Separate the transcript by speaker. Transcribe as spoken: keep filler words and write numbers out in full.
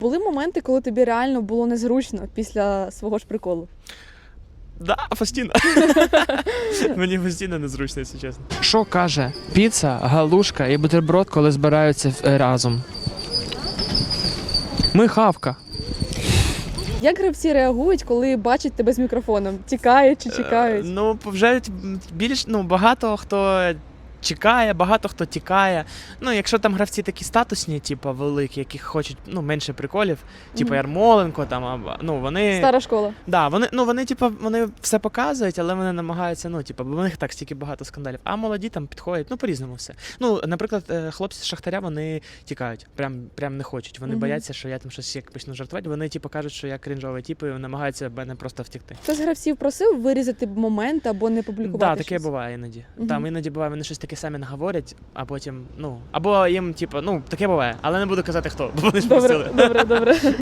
Speaker 1: Були моменти, коли тобі реально було незручно після свого ж приколу?
Speaker 2: Да, постійно. Мені постійно незручно, якщо чесно.
Speaker 3: Що каже піца, галушка і бутерброд, коли збираються е, разом? Ми хавка.
Speaker 1: Як гравці реагують, коли бачать тебе з мікрофоном? Тікають чи
Speaker 2: Е,
Speaker 1: чекають?
Speaker 2: Ну, вже більш, ну, багато хто чекає, багато хто тікає. Ну, якщо там гравці такі статусні, типу, великі, які хочуть, ну, менше приколів, типу
Speaker 1: Мгм.
Speaker 2: Ярмоленко, там, або- ну, вони...
Speaker 1: Стара школа.
Speaker 2: Да, вони, ну, вони, типу, вони все показують, але вони намагаються, ну, типу, бо в них так стільки багато скандалів. А молоді там підходять, ну, по-різному все. Ну, наприклад, е, хлопці з Шахтаря, вони тікають, прям, прям не хочуть. Вони
Speaker 1: Мгм.
Speaker 2: бояться, що я там щось як почну жартувати. Вони, типу, кажуть, що я крінжовий тип і намагаються мене просто втекти.
Speaker 1: Хтось з гравців просив вирізати момент або не публікувати
Speaker 2: Так, да, таке
Speaker 1: щось?
Speaker 2: буває іноді.
Speaker 1: Мгм.
Speaker 2: Там іноді буває, вони щось таке самі наговорять, а потім, ну, або їм, типу, ну, таке буває, але не буду казати хто, бо вони ж
Speaker 1: Добре,
Speaker 2: просили.
Speaker 1: добре, добре.